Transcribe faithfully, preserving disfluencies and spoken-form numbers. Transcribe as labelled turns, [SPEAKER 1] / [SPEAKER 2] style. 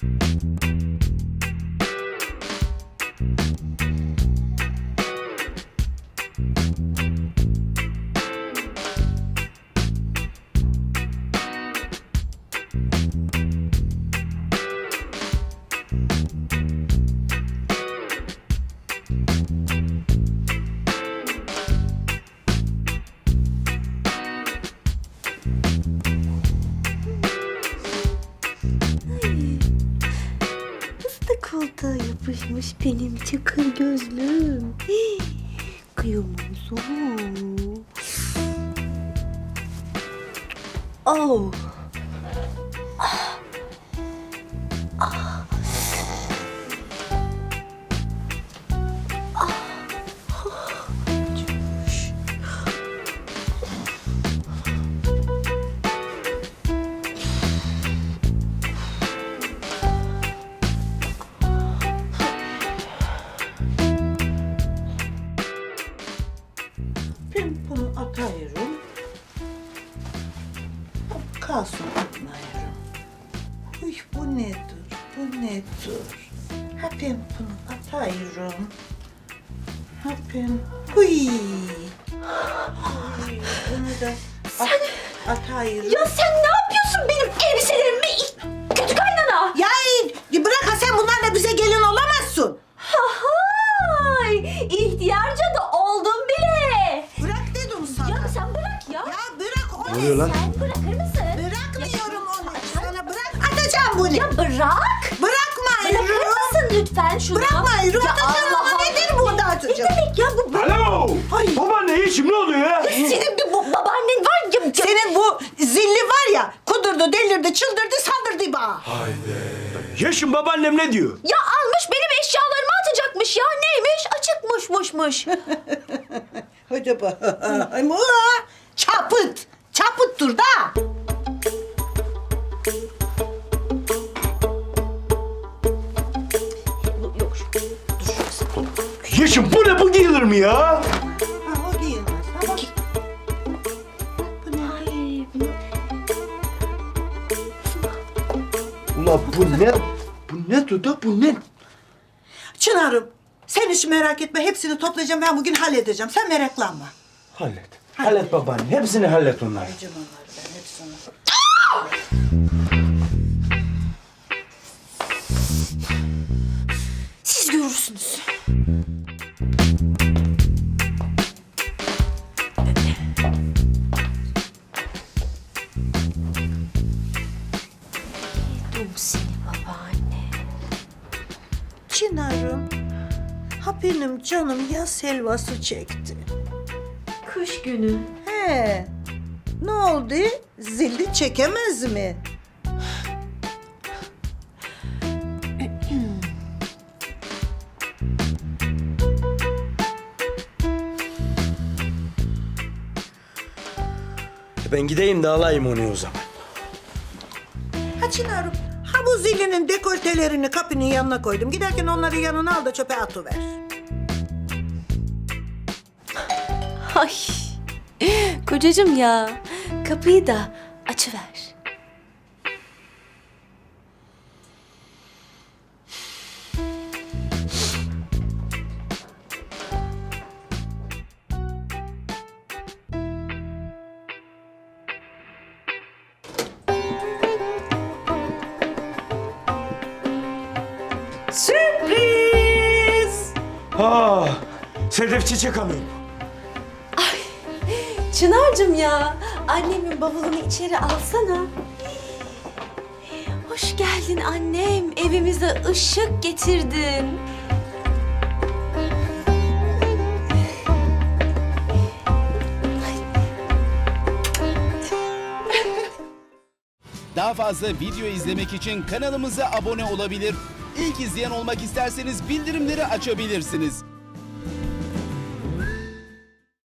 [SPEAKER 1] Koltuğa yapışmış benim çakır gözlüm. Hii, kıyamam sana. Oh. Ah. Ah. Ah.
[SPEAKER 2] Ben bunu atıyorum. Kalsın atmayırım. Uy bu nedir? Bu nedir? Ha ben bunu atıyorum. Ha ben... Uy. Uy, bunu da
[SPEAKER 1] Sen...
[SPEAKER 2] at, atıyorum.
[SPEAKER 1] Ya sen ne yapıyorsun benim elbiselerimi? Kötü kaynana.
[SPEAKER 2] Ya bırak ha, sen bunlarla bize gelin olamazsın.
[SPEAKER 1] Hay, ihtiyarca da oldum bile.
[SPEAKER 2] Bırak dedim sana.
[SPEAKER 1] Ya sen bırak ya.
[SPEAKER 2] Ya bırak onu.
[SPEAKER 3] Ne oluyor lan?
[SPEAKER 1] Sen bırakır mısın?
[SPEAKER 2] Bırakmıyorum onu. Sana bırak. Atacağım bunu.
[SPEAKER 1] Ya bırak.
[SPEAKER 2] Bırakma
[SPEAKER 1] Bırakır
[SPEAKER 2] Yürü.
[SPEAKER 1] mısın lütfen şunu?
[SPEAKER 2] Bırakma Yürü.
[SPEAKER 1] Ya
[SPEAKER 2] Atacağım
[SPEAKER 1] Allah
[SPEAKER 2] onu.
[SPEAKER 1] Allah.
[SPEAKER 2] Nedir bu da atacağım?
[SPEAKER 1] Ne demek ya bu?
[SPEAKER 3] Alo!
[SPEAKER 2] Ay.
[SPEAKER 3] Babaanne işim ne oluyor ya?
[SPEAKER 1] Senin bir bu babaannen var ya. ya-
[SPEAKER 2] Senin bu zilli var ya, kudurdu, delirdi, çıldırdı, saldırdı bana.
[SPEAKER 3] Yaşım babaannem ne diyor?
[SPEAKER 1] Ya almış benim eşyalarımı atacakmış ya. Neymiş? Açıkmışmışmış.
[SPEAKER 2] Hadi bakayım. Çapıt, çapıt dur da.
[SPEAKER 1] Yok şu. Dur.
[SPEAKER 3] Yaşım bu ne, bu giyilir mi ya?
[SPEAKER 2] Ha, o giyilmez. Ama
[SPEAKER 1] Ay,
[SPEAKER 3] Ulan bu ne? Bu ne Duda, bu ne?
[SPEAKER 2] Çınar'ım, sen hiç merak etme. Hepsini toplayacağım. Ben bugün halledeceğim. Sen meraklanma.
[SPEAKER 3] Hallet. Hallet babaanne, hepsini hallet onları.
[SPEAKER 2] Halledeceğim onları ben hepsini.
[SPEAKER 1] siz görürsünüz. Yedim seni babaanne.
[SPEAKER 2] Çınar'ım, ha benim canım yaz helvası çekti.
[SPEAKER 1] Kış günü.
[SPEAKER 2] He, ne oldu? Zilli çekemez mi?
[SPEAKER 3] Ben gideyim de alayım onu o zaman.
[SPEAKER 2] Ha Çınar'ım, ha bu zilinin dekoltelerini kapının yanına koydum. Giderken onları yanına al da çöpe atıver.
[SPEAKER 1] Ay. Kocacığım ya. Kapıyı da açıver.
[SPEAKER 2] Sürpriz!
[SPEAKER 3] Ha, Sedef çiçek alıyorum.
[SPEAKER 1] Çınar'cığım ya. Annemin bavulunu içeri alsana. Hoş geldin annem. Evimize ışık getirdin.
[SPEAKER 4] Daha fazla video izlemek için kanalımıza abone olabilir. İlk izleyen olmak isterseniz bildirimleri açabilirsiniz.